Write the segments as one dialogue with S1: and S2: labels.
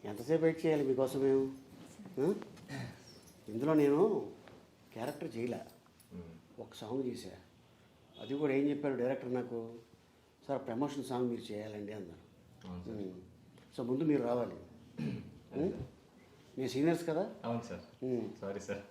S1: ఎంతసేపు వెయిట్ చేయాలి మీకోసం మేము? ఇందులో నేను క్యారెక్టర్ చేయలే, ఒక సాంగ్ చేశా. అది కూడా ఏం చెప్పారు డైరెక్టర్ నాకు, సార్ ప్రమోషన్ సాంగ్ మీరు చేయాలండి అన్నారు. సో ముందు మీరు రావాలి. మీ సీనియర్స్ కదా?
S2: అవును సార్. Sorry sir.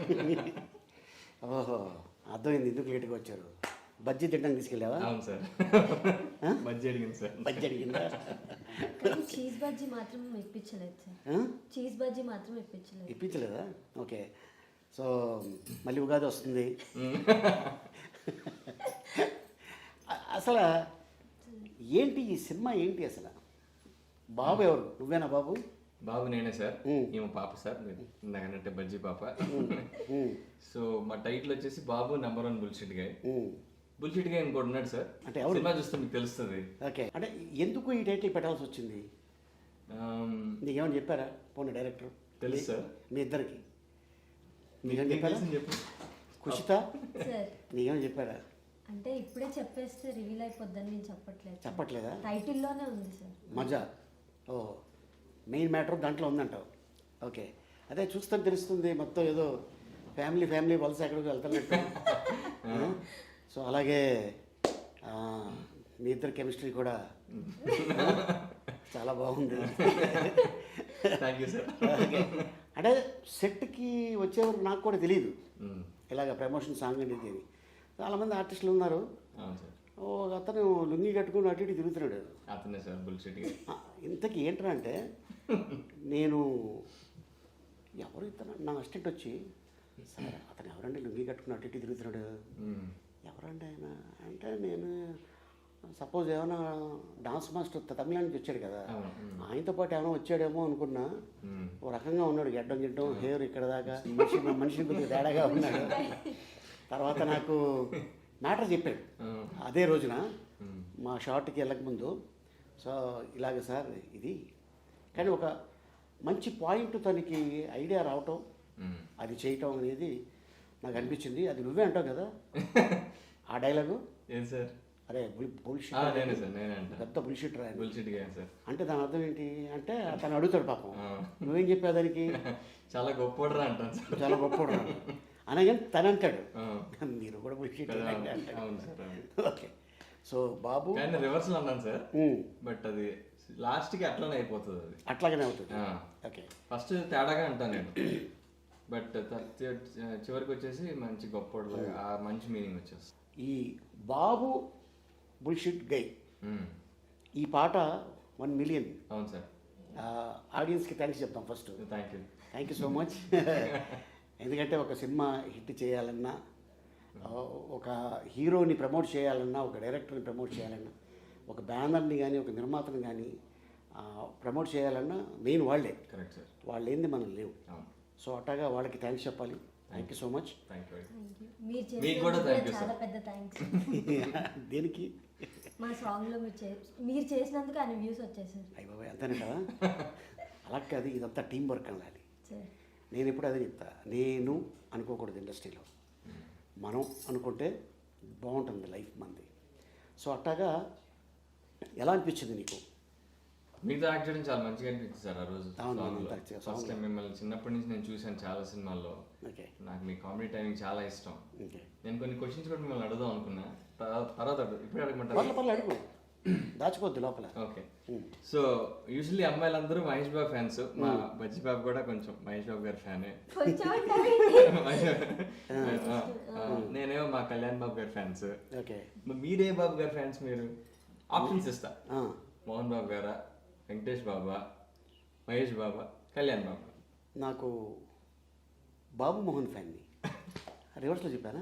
S1: ఓహో, అర్థమైంది ఎందుకు లేట్గా వచ్చారు. బజ్జీ తిట్టడానికి తీసుకెళ్ళావా?
S2: అవును సార్. బజ్జీ అడిగింది సార్.
S1: బజ్జీ అడిగిందా?
S3: చీజ్ బజ్జీ మాత్రం ఇప్పించలేదు సార్. చీజ్ బజ్జీ మాత్రం ఇప్పించలేదు.
S1: ఇప్పించలేదా? ఓకే. సో మళ్ళీ ఉగాది వస్తుంది. అసలు ఏంటి ఈ సినిమా ఏంటి అసలు? బాబు ఎవరు? నువ్వేనా బాబు?
S2: బాబు నేనే సార్. ఏమో పాప సార్, ఇందాకంటే బజ్జీ పాప. సో మా టైటిల్ వచ్చేసి Babu #1 bullshit guy. Bullshit guy ఇంకోటి ఉన్నాడు సార్. అంటే సినిమా చూస్తే మీకు తెలుస్తుంది.
S1: ఓకే, అంటే ఎందుకు ఈ టైటిల్ పెట్టాల్సి వచ్చింది? నీకేమైనా చెప్పారా పోనీ డైరెక్టర్?
S2: తెలుసు సార్.
S1: మీ ఇద్దరికి నీకేమైనా చెప్పారా?
S2: చెప్పు
S1: కుషిత,
S3: సార్
S1: నీకేమైనా చెప్పారా?
S3: అంటే ఇప్పుడే చెప్పేస్తే రివీల్ అయిపోద్దని నేను చెప్పట్లేదు.
S1: చెప్పట్లేదా?
S3: టైటిల్లోనే ఉంది సార్.
S1: మజా. ఓ, మెయిన్ మ్యాటర్ దాంట్లో ఉందంటావు. ఓకే, అదే చూస్తే తెలుస్తుంది మొత్తం ఏదో ఫ్యామిలీ వలస ఎక్కడికి వెళ్తున్నట్టు. సో అలాగే మీ ఇద్దరు కెమిస్ట్రీ కూడా చాలా బాగుంది.
S2: Thank you sir.
S1: ఓకే, అంటే సెట్కి వచ్చేవారు నాకు కూడా తెలియదు ఇలాగ ప్రమోషన్ సాంగ్ అనేది. చాలామంది ఆర్టిస్టులు ఉన్నారు.
S2: అవును సార్.
S1: ఒక అతను లుంగి కట్టుకుని అటు ఇటు తిరుగుతున్నాడు.
S2: అతనే సార్ బుల్షిట్.
S1: ఇంతకీ ఏంట్రా అంటే, నేను ఎవరు ఇతను నా అసిస్టెంట్ వచ్చి, సార్ అతను ఎవరండి లుంగి కట్టుకుని అటు ఇటు తిరుగుతున్నాడు, ఎవరండి ఆయన అంటే, నేను సపోజ్ ఏమైనా డాన్స్ మాస్టర్ తమిళ నుంచి వచ్చాడు కదా, ఆయనతో పాటు ఏమైనా వచ్చాడేమో అనుకున్నా. ఓ రకంగా ఉన్నాడు, గిడ్డం హెయిర్ ఇక్కడ దాకా, మనిషిని కొద్దిగా తేడాగా ఉన్నాడు. తర్వాత నాకు మ్యాటర్ చెప్పాడు అదే రోజున మా షార్ట్కి వెళ్ళకముందు. సో ఇలాగ సార్ ఇది, కానీ ఒక మంచి పాయింట్ తనకి ఐడియా రావటం, అది చేయటం అనేది నాకు అనిపించింది. అది నువ్వే అంటావు కదా ఆ డైలాగు?
S2: ఏం సార్?
S1: అరే బుల్షిట్, పెద్ద బుల్షిట్ రా అంటే దాని అర్థం ఏంటి అంటే, తను అడుగుతాడు పాపం, నువ్వేం చెప్పావు దానికి?
S2: చాలా గొప్పోడరా అంటాను సార్.
S1: చాలా గొప్పోడరా అనగానే తను అంటాడు, మీరు కూడా bullshit. Okay, so Babu
S2: reverse అన్నాను సార్. బట్ అది లాస్ట్ కి అట్లానే అయిపోతుంది, అది
S1: అట్లాగనే అవుతుంది. ఓకే,
S2: ఫస్ట్ తేడాగా అంటాను నేను, బట్ చివరికి వచ్చేసి మంచి గొప్పోడు, ఆ మంచి మీనింగ్ వచ్చేస్తుంది.
S1: ఈ బాబు బుల్షిట్ గై ఈ పాట 1 మిలియన్.
S2: అవును సార్.
S1: ఆడియన్స్కి థ్యాంక్స్ చెప్తాం first. Thank you so much. ఎందుకంటే ఒక సినిమా హిట్ చేయాలన్నా, ఒక హీరోని ప్రమోట్ చేయాలన్నా, ఒక డైరెక్టర్ని ప్రమోట్ చేయాలన్నా, ఒక బ్యానర్ని కానీ ఒక నిర్మాతని కానీ ప్రమోట్ చేయాలన్నా మెయిన్ వాళ్ళే.
S2: Correct sir.
S1: వాళ్ళు ఏంది మనం లేవు. సో అట్లాగా వాళ్ళకి థ్యాంక్స్ చెప్పాలి. Thank you so much.
S3: చాలా పెద్ద థ్యాంక్స్.
S1: దేనికి?
S3: మా సాంగ్లో మీరు చేసినందుకు అన్ని వ్యూస్ వచ్చేసారు.
S1: అయ్య బాబాయ్, అంతేనే కదా. అలా కాదు, ఇదంతా టీం వర్క్ అనాలి. నేను ఎప్పుడు అదే చెప్తా, నేను అనుకోకూడదు ఇండస్ట్రీలో, మనం అనుకుంటే బాగుంటుంది లైఫ్ మంది. సో అట్లాగా ఎలా అనిపించింది నీకు?
S2: మీతో యాక్ట్ చేయడం చాలా మంచిగా అనిపించింది సార్ ఆ రోజు. ఫస్ట్ టైం మిమ్మల్ని చిన్నప్పటి నుంచి నేను చూశాను చాలా సినిమాల్లో. నాకు మీ కామెడీ టైమింగ్ చాలా ఇష్టం. నేను కొన్ని క్వశ్చన్స్ కూడా మిమ్మల్ని అడుగుదాం అనుకున్నా, తర్వాత ఇప్పుడు అడగమంటారు?
S1: అడుగు, దాచిపోద్దు లోపల.
S2: ఓకే, సో యూజువల్లీ అమ్మాయిలందరూ మహేష్ బాబు ఫ్యాన్స్. మా బజ్జీ బాబు కూడా కొంచెం మహేష్ బాబు గారి ఫ్యానే. నేనేమో మా కళ్యాణ్ బాబు గారి ఫ్యాన్స్. మీరే బాబు గారి ఫ్యాన్స్? మీరు ఆప్షన్స్ ఇస్తా, మోహన్ బాబు గారా, వెంకటేష్ బాబా, మహేష్ బాబా, కళ్యాణ్ బాబా?
S1: నాకు బాబు మోహన్ ఫ్యాన్ని. రివర్స్లో చెప్పానా?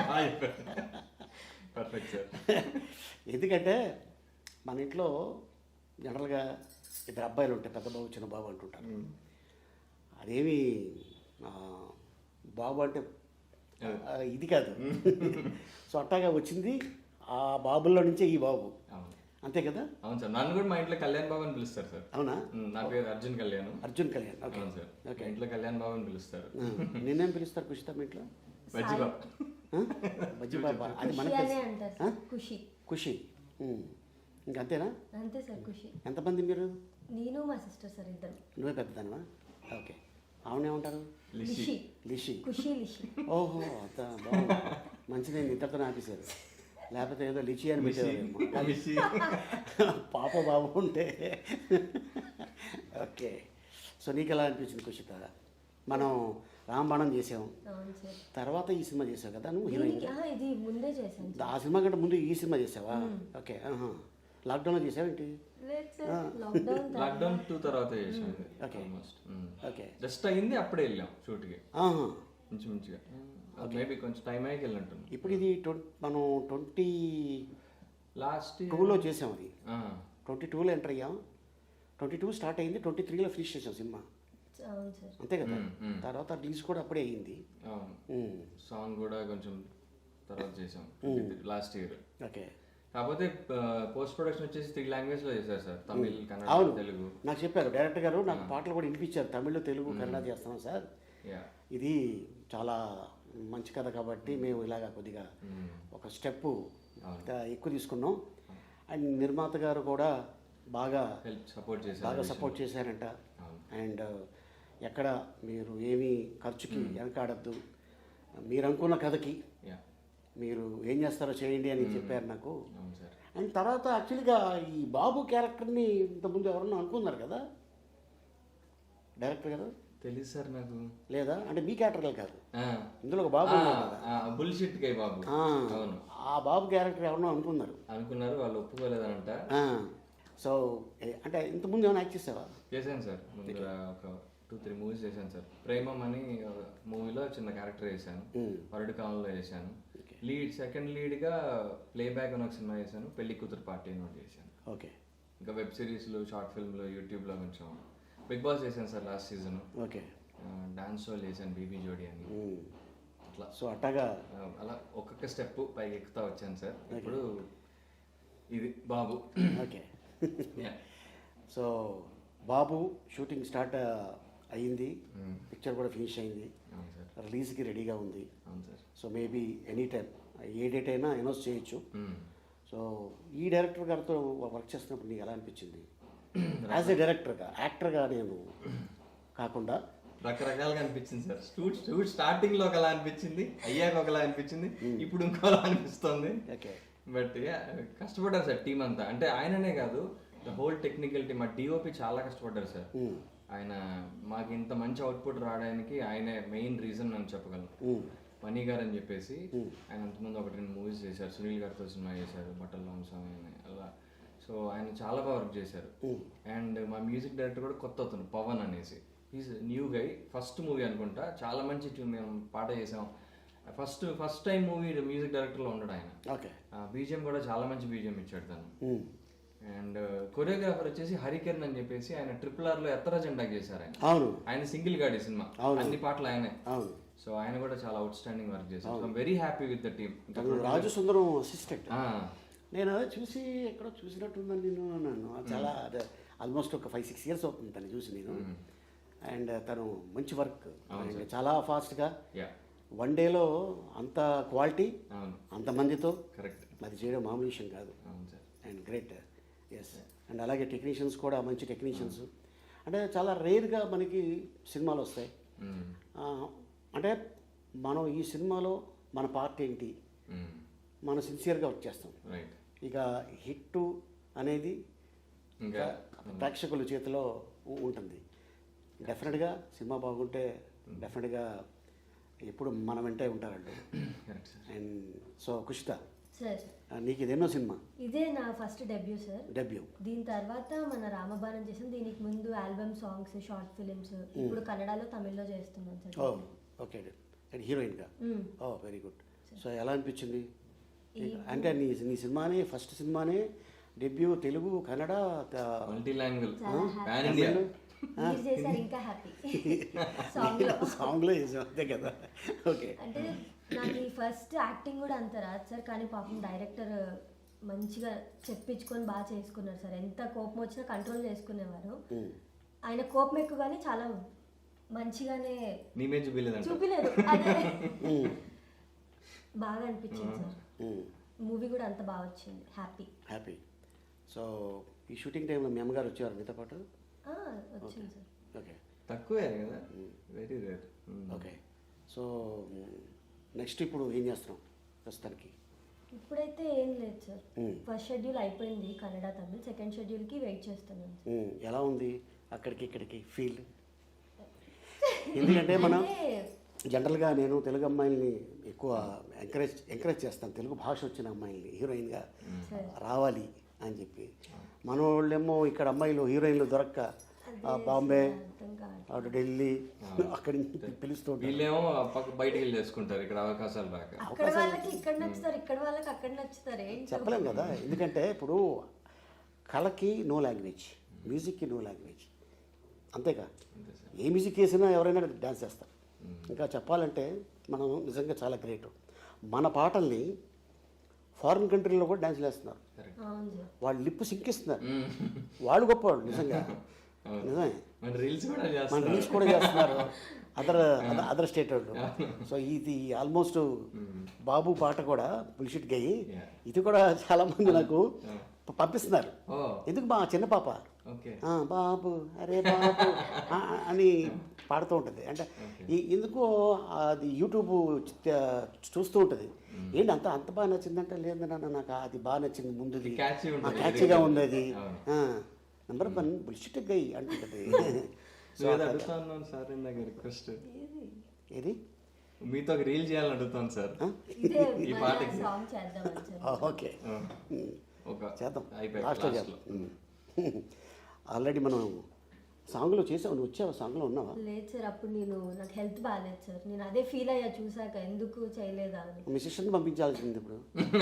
S2: Perfect sir.
S1: ఎందుకంటే మన ఇంట్లో జనరల్గా 2 అబ్బాయిలు ఉంటాయి, పెద్ద బాబు చిన్న బాబు అంటుంటారు. అదేమి బాబు అంటే ఇది కాదు. సో అట్టాగా వచ్చింది ఆ బాబుల్లో నుంచే ఈ బాబు, అంతే కదా?
S2: అవును సార్. నన్ను కూడా మా ఇంట్లో కళ్యాణ్ బాబు అని పిలుస్తారు సార్.
S1: అవునా?
S2: నా పేరు Arjun Kalyan.
S1: Okay
S2: sir. Okay, ఇంట్లో కళ్యాణ్ బాబు అని పిలుస్తారు.
S1: నిన్నేం పిలుస్తారు కుషిత మీ ఇంట్లో?
S2: బజ్జీ బాబు.
S1: బజ్జీ బాబా, అది మనకి ఖుషి. ఇంకంతేనా?
S3: అంతే సార్. ఖుషి.
S1: ఎంతమంది మీరు?
S3: నేను మా సిస్టర్ సార్ ఇద్దరు.
S1: నువ్వే పెద్దదానివా? ఓకే. ఆవిడేమంటారు?
S3: లిషి.
S1: లిషి.
S3: ఖుషి లిషి.
S1: ఓహో, అంత బాగుంది. మంచిదే, ఇద్దరితో ఆపేశారు. లేకపోతే ఏదో లిచి అని పెట్టేవారు. పాప బాబు ఉంటే. ఓకే. సో నీకు ఎలా అనిపించింది కుషిత? మనం రాంబాణం చేసాం,
S3: అవును సార్.
S1: తర్వాత ఈ సినిమా చేసావు కదా నువ్వు హీరోయిన్.
S3: ఇది ముందే చేశాను.
S1: ఆ సినిమా కంటే ముందు ఈ సినిమా చేసావా? ఓకే. లాక్డౌన్లో చేసావేంటి?
S3: లేదు సార్, లాక్డౌన్
S2: 2 తర్వాత చేసాం.
S1: ఓకే. ఓకే.
S2: జస్ట్ అయింది, అప్పుడే వెళ్ళాం షూట్కి మంచిగా. మేబీ కొంచెం టైం అయ్యాక వెళ్ళినట్టు.
S1: ఇప్పుడు ఇది మనం 22
S2: లాస్ట్
S1: చేసాం. అది 22లో ఎంటర్ అయ్యాం, 22 స్టార్ట్ అయింది, 23లో ఫినిష్ చేసాం సినిమా.
S3: అవును సార్.
S1: అంతే కదా. తర్వాత రిలీజ్ కూడా అప్పుడే అయ్యింది.
S2: సాంగ్ కూడా కొంచెం తర్వాత చేసాం లాస్ట్ ఇయర్.
S1: ఓకే.
S2: కాకపోతే పోస్ట్ ప్రొడక్షన్ వచ్చేసి 3 లాంగ్వేజ్ లో చేశారు సార్, తమిళ్, కన్నడ, తెలుగు.
S1: నాకు చెప్పారు డైరెక్టర్ గారు, నాకు పాటలు కూడా వినిపించారు, తమిళ్, తెలుగు, కన్నడ చేస్తున్నాం సార్, ఇది చాలా మంచి కథ కాబట్టి మేము ఇలాగా కొద్దిగా ఒక స్టెప్ ఎక్కువ తీసుకున్నాం. అండ్ నిర్మాత గారు కూడా బాగా సపోర్ట్ చేశారంట. అండ్ ఎక్కడ మీరు ఏమీ ఖర్చుకి వెనకాడద్దు, మీరు అనుకున్న కథకి మీరు ఏం చేస్తారో చేయండి అని చెప్పారు నాకు. అండ్ తర్వాత యాక్చువల్గా ఈ బాబు క్యారెక్టర్ని ఇంతకుముందు ఎవరన్నా అనుకున్నారు కదా డైరెక్టర్ గారు?
S2: తెలుసు సార్ నాకు.
S1: లేదా అంటే మీ క్యారెక్టర్ కాదు, ఇందులో ఒక బాబు
S2: బుల్షిట్ గై బాబు. అవును,
S1: ఆ బాబు క్యారెక్టర్ ఎవరన్నా
S2: అనుకున్నారు, వాళ్ళు ఒప్పుకోలేదంట.
S1: సో అంటే ఇంతకుముందు ఏమైనా యాక్ట్ చేసావా?
S2: చేశాను సార్, ముందు ఒక 2-3 మూవీస్ చేశాను సార్. ప్రేమం అని మూవీలో చిన్న క్యారెక్టర్ చేశాను, వరడు కాలంలో చేశాను. సెకండ్ లీడ్గా ప్లేబ్యాక్ అని ఒక సినిమా చేశాను, పెళ్లి కూతురు పార్టీ అని ఒకటి చేశాను.
S1: ఓకే.
S2: ఇంకా వెబ్ సిరీస్లు, షార్ట్ ఫిల్మ్లు, యూట్యూబ్లో కొంచెం. బిగ్ బాస్ చేశాను sir last season.
S1: Okay.
S2: Dance show చేశాను, బీబీ జోడి అని. అట్లా
S1: సో అట్టగా
S2: అలా ఒక్కొక్క స్టెప్ పైకి ఎక్కుతా వచ్చాను సార్. ఇప్పుడు ఇది Babu.
S1: Okay. So Babu shooting start అయ్యింది, పిక్చర్ కూడా ఫినిష్ అయింది, రిలీజ్కి రెడీగా ఉంది. సో మేబీ ఎనీ టైం ఏ డేట్ అయినా అనౌన్స్ చేయొచ్చు. సో ఈ డైరెక్టర్ గారితో వర్క్ చేస్తున్నప్పుడు నీకు ఎలా అనిపించింది? యాజ్ ఎ డైరెక్టర్గా, యాక్టర్గా నేను కాకుండా
S2: రకరకాలుగా అనిపించింది సార్. షూట్ స్టార్టింగ్లో ఒకలా అనిపించింది, అయ్యాక ఒకలా అనిపించింది, ఇప్పుడు ఇంకోలా అనిపిస్తుంది.
S1: ఓకే.
S2: బట్ కష్టపడ్డారు సార్ టీం అంతా. అంటే ఆయననే కాదు, ద హోల్ టెక్నికల్ టీమ్, ఆ డిఓపి చాలా కష్టపడ్డారు సార్. ఆయన మాకు ఇంత మంచి అవుట్పుట్ రావడానికి ఆయనే మెయిన్ రీజన్ అని చెప్పగలను. మనీ గారు అని చెప్పేసి ఆయన అంతకుముందు 1-2 మూవీస్ చేశారు, సునీల్ గారితో సినిమా చేశారు, బట్టల వంశం అలా. సో ఆయన చాలా బాగా వర్క్ చేశారు. అండ్ మా మ్యూజిక్ డైరెక్టర్ కూడా కొత్త అతను, పవన్ అనేసి, is new guy. First movie అనుకుంటా, చాలా మంచి ట్యూన్ మేము పాట చేసాం. ఫస్ట్ టైం మూవీ మ్యూజిక్ డైరెక్టర్లో ఉన్నాడు ఆయన.
S1: ఓకే.
S2: బీజిఎం కూడా చాలా మంచి బీజిఎం ఇచ్చాడు తను. అండ్ కొరియోగ్రాఫర్ వచ్చేసి హరికిరణ్ అని చెప్పేసి, ఆయన RRR లో ఎత్తర జెండా చేశారు ఆయన. ఆయన సింగిల్ గాడి సినిమా, అన్ని పాటలు ఆయనే. సో ఆయన కూడా చాలా అవుట్ స్టాండింగ్ వర్క్ చేశారు. I'm very happy with the team.
S1: Raju Sundaram assistant. నేను అదే చూసి ఎక్కడో చూసినట్టుందని నేను అన్నాను. చాలా అదే ఆల్మోస్ట్ ఒక 5-6 ఇయర్స్ అవుతుంది తను చూసి నేను. అండ్ తను మంచి వర్క్, చాలా ఫాస్ట్గా, 1 డేలో అంత క్వాలిటీ, అంతమందితో అది చేయడం మామూలు విషయం కాదు. And great. ఎస్. అండ్ అలాగే టెక్నీషియన్స్ కూడా మంచి టెక్నీషియన్స్. అంటే చాలా రేర్గా మనకి సినిమాలు వస్తాయి. అంటే మనం ఈ సినిమాలో మన పార్ట్ ఏంటి, మనం సిన్సియర్గా వర్క్ చేస్తాం. ఇక హిట్ అనేది ఇంకా ప్రేక్షకుల చేతిలో ఉంటుంది. డెఫినెట్గా సినిమా బాగుంటే డెఫినెట్గా ఎప్పుడు మన వెంటే ఉంటారు వాళ్ళు. అండ్ సో కుషిత, నీకు ఇదేనో సినిమా?
S3: ఇదే నా ఫస్ట్ డెబ్యూ సార్.
S1: డెబ్యూ.
S3: దీని తర్వాత మన రామబాణం చేసాం, దీనికి ముందు ఆల్బమ్ సాంగ్స్, షార్ట్ ఫిలిమ్స్, ఇప్పుడు కన్నడలో, తమిళ్లో చేస్తున్నాను సార్.
S1: ఓకే. అండ్ హీరోయిన్గా. Very good. సో ఎలా అనిపించింది? అంటే నీ సినిమానే, ఫస్ట్ సినిమానే debut, Telugu, Kannada,
S2: multi language,
S3: ఇంకా హ్యాపీ.
S1: సాంగ్లో చేసాం అంతే కదా. ఓకే.
S3: అంటే నాకు ఈ ఫస్ట్ యాక్టింగ్ కూడా అంత రాదు సార్, కానీ పాపం డైరెక్టర్ మంచిగా చెప్పించుకొని బాగా చేసుకున్నారు సార్. ఎంత కోపం వచ్చినా కంట్రోల్ చేసుకునేవారు. ఆయన కోపం ఎక్కువ కానీ చాలా మంచిగానే చూపిలేదు. అదే బాగా అనిపించింది సార్. మూవీ కూడా అంత బాగా వచ్చింది. హ్యాపీ.
S1: సో ఈ షూటింగ్ టైంలో మీ అమ్మగారు వచ్చేవారు మీతో పాటు?
S3: వచ్చింది సార్.
S1: ఓకే
S2: తక్కువే కదా, very rare.
S1: Okay. So next ఇప్పుడు ఏం చేస్తున్నాం ప్రస్తుతానికి?
S3: ఇప్పుడైతే ఏం లేదు సార్. ఫస్ట్ షెడ్యూల్ అయిపోయింది కన్నడ తమిళ్, సెకండ్ షెడ్యూల్కి వెయిట్ చేస్తున్నాను సార్.
S1: ఎలా ఉంది అక్కడికి ఇక్కడికి ఫీల్? ఎందుకంటే మనం జనరల్గా నేను తెలుగు అమ్మాయిల్ని ఎక్కువ ఎంకరేజ్ చేస్తాను, తెలుగు భాష వచ్చిన అమ్మాయిల్ని హీరోయిన్గా రావాలి అని చెప్పి. మన వాళ్ళేమో ఇక్కడ అమ్మాయిలు హీరోయిన్లు దొరక్క బాంబే, అటు ఢిల్లీ అక్కడి నుంచి పిలుస్తూ
S2: వీళ్ళేమో బయటికి వెళ్ళి చేసుకుంటారు, ఇక్కడ అవకాశాలు రాక.
S3: అక్కడ వాళ్ళకి ఇక్కడ నచ్చుతారు, ఇక్కడ వాళ్ళకి అక్కడ నచ్చుతారు,
S1: చెప్పలేం కదా. ఎందుకంటే ఇప్పుడు కళకి నో లాంగ్వేజ్, మ్యూజిక్కి నో లాంగ్వేజ్, అంతేగా. ఏ మ్యూజిక్ వేసినా ఎవరైనా డ్యాన్స్ చేస్తారు. ఇంకా చెప్పాలంటే మనం నిజంగా చాలా గ్రేట్. మన పాటల్ని ఫారిన్ కంట్రీలో కూడా డ్యాన్స్లు వేస్తున్నారు, వాళ్ళు లిప్పు సింకిస్తున్నారు, వాళ్ళు గొప్పవాళ్ళు నిజంగా. నిజమే,
S2: మన రీల్స్
S1: కూడా చేస్తున్నారు అదర్ స్టేట్ వాళ్ళు. సో ఇది ఆల్మోస్ట్ బాబు పాట కూడా బుల్షిట్ గయి, ఇది కూడా చాలా మంది నాకు పంపిస్తున్నారు. ఎందుకు మా చిన్న పాప బాబు అరే బాబు అని పాడుతూ ఉంటుంది. అంటే ఎందుకో అది యూట్యూబ్ చూస్తూ ఉంటుంది. ఏంటి అంత బాగా నచ్చిందంటే, లేదు నాన్న నాకు అది బాగా నచ్చింది, ముందుది క్యాచీగా ఉంది, అది నెంబర్ 1 బుల్షిట్ గై అంటుంటుంది. ఏది
S2: మీతో ఒక రీల్ చేయాలని అడుగుతాను సార్ ఈ పాటకి.
S1: ఓకే చేద్దాం, లాస్ట్లో చేద్దాం. ఆల్రెడీ మనం సాంగ్లో చేసావు, నువ్వు వచ్చావు సాంగ్లో ఉన్నావా?
S3: లేదు సార్, అప్పుడు నాకు హెల్త్ బాగాలేదు సార్, నేను అదే ఫీల్ అయ్యా చూసాక, ఎందుకు చేయలేదా అని.
S1: మీ సిస్టర్ని పంపించాల్సింది ఇప్పుడు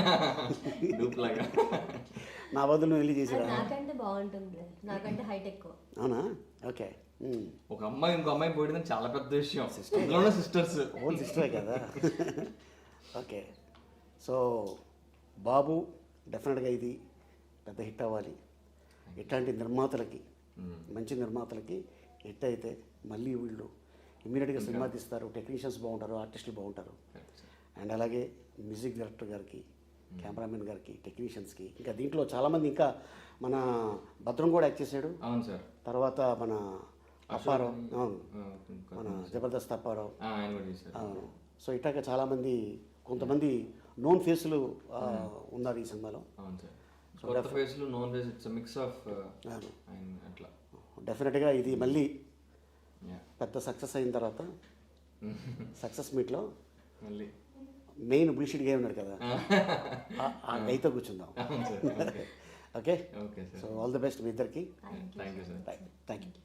S1: నా బదులు నువ్వు వెళ్ళి చేసి.
S3: నాకంటే బాగుంటుంది, నాకంటే హైట్ ఎక్కువ.
S1: అవునా? ఓకే.
S2: ఒక అమ్మాయి ఇంకో అమ్మాయి పోయడం చాలా పెద్ద విషయం, సిస్టర్స్
S1: ఓన్ సిస్టరే కదా. ఓకే. సో బాబు డెఫినెట్గా ఇది పెద్ద హిట్ అవ్వాలి. ఇట్లాంటి నిర్మాతలకి, మంచి నిర్మాతలకి హిట్ అయితే మళ్ళీ వీళ్ళు ఇమ్మీడియట్గా సినిమా తీస్తారు, టెక్నీషియన్స్ బాగుంటారు, ఆర్టిస్టులు బాగుంటారు. అండ్ అలాగే మ్యూజిక్ డైరెక్టర్ గారికి, కెమెరామెన్ గారికి, టెక్నీషియన్స్కి, ఇంకా దీంట్లో చాలామంది, ఇంకా మన భద్రం కూడా యాక్ట్ చేశాడు.
S2: అవును సార్.
S1: తర్వాత మన అప్పారావు, అవును, మన జబర్దస్త్ అప్పారావు. అవును. సో ఇట్లాగా చాలామంది, కొంతమంది నోన్ ఫేస్లు ఉన్నారు ఈ సినిమాలో. డెఫినెట్గా ఇది మళ్ళీ పెద్ద సక్సెస్ అయిన తర్వాత సక్సెస్ మీట్లో మళ్ళీ మెయిన్ బుల్షిట్ గా ఉన్నాడు కదా, ఆ గైతో కూర్చుందాం. Okay. So all the best మీ ఇద్దరికి.
S2: Thank you sir.
S1: Thank you.